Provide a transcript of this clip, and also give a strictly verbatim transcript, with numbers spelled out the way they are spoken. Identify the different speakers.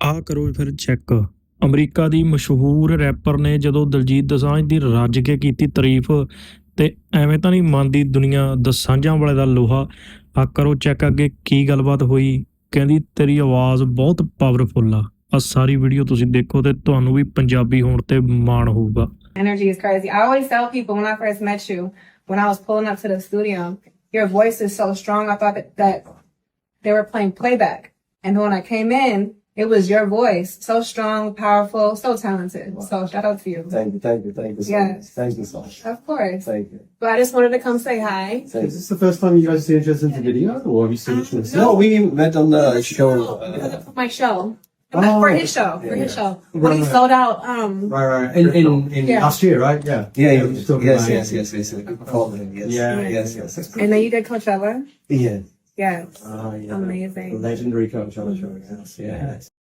Speaker 1: ਆਹ ਕਰੋ ਫਿਰ ਚੈੱਕ। ਅਮਰੀਕਾ ਦੀ ਮਸ਼ਹੂਰ ਰੈਪਰ ਨੇ ਜਦੋਂ ਦਲਜੀਤ ਦੋਸਾਂਝ ਦੀ ਰੱਜ ਕੇ ਕੀਤੀ ਤਾਰੀਫ ਤੇ ਐਵੇਂ ਤਾਂ ਨਹੀਂ ਮੰਨਦੀ ਦੁਨੀਆ ਦੋਸਾਂਝਾਂ ਵਾਲੇ ਦਾ ਲੋਹਾ। ਆਹ ਕਰੋ ਚੈੱਕ ਅੱਗੇ ਕੀ ਗੱਲਬਾਤ ਹੋਈ। ਕਹਿੰਦੀ ਤੇਰੀ ਆਵਾਜ਼ ਬਹੁਤ ਪਾਵਰਫੁੱਲ ਆ। ਆਹ ਸਾਰੀ ਵੀਡੀਓ ਤੁਸੀਂ ਦੇਖੋ ਤੇ ਤੁਹਾਨੂੰ ਵੀ ਪੰਜਾਬੀ ਹੋਣ ਤੇ ਮਾਣ ਹੋਊਗਾ।
Speaker 2: Energy is crazy. I always tell people when I first met you, when I was pulling up to the studio, your voice is so strong. I thought that, that they were playing playback. And when I came in, it was your voice. So strong, powerful, so talented. Wow. So shout out to you.
Speaker 3: Thank you, thank you, thank you so
Speaker 2: yes.
Speaker 3: much. Thank you so much.
Speaker 2: Of course.
Speaker 3: Thank you.
Speaker 2: But I just wanted to come say hi.
Speaker 3: Thank
Speaker 4: Is this the first time you guys see interest in the video, or have you seen it from the
Speaker 3: No, we met on the show. Uh,
Speaker 2: For my show.
Speaker 4: Oh,
Speaker 2: for his show.
Speaker 3: yeah,
Speaker 2: for his
Speaker 3: yeah.
Speaker 2: show.
Speaker 4: Right,
Speaker 2: When he
Speaker 4: right.
Speaker 2: sold out, um,
Speaker 4: Right, right. In in, in
Speaker 2: Yeah.
Speaker 4: last year, right? Yeah.
Speaker 3: yeah,
Speaker 4: We
Speaker 3: yeah,
Speaker 4: were just talking
Speaker 3: yes,
Speaker 4: about
Speaker 3: yes,
Speaker 4: it.
Speaker 3: yes, yes, yes. You called him, yes.
Speaker 4: Yeah.
Speaker 3: Yes, yes, yes.
Speaker 2: and then you did Coachella.
Speaker 3: Yeah.
Speaker 2: Yes.
Speaker 4: Ah, yeah.
Speaker 2: Amazing.
Speaker 4: The legendary coach on the show. Yes. Yeah.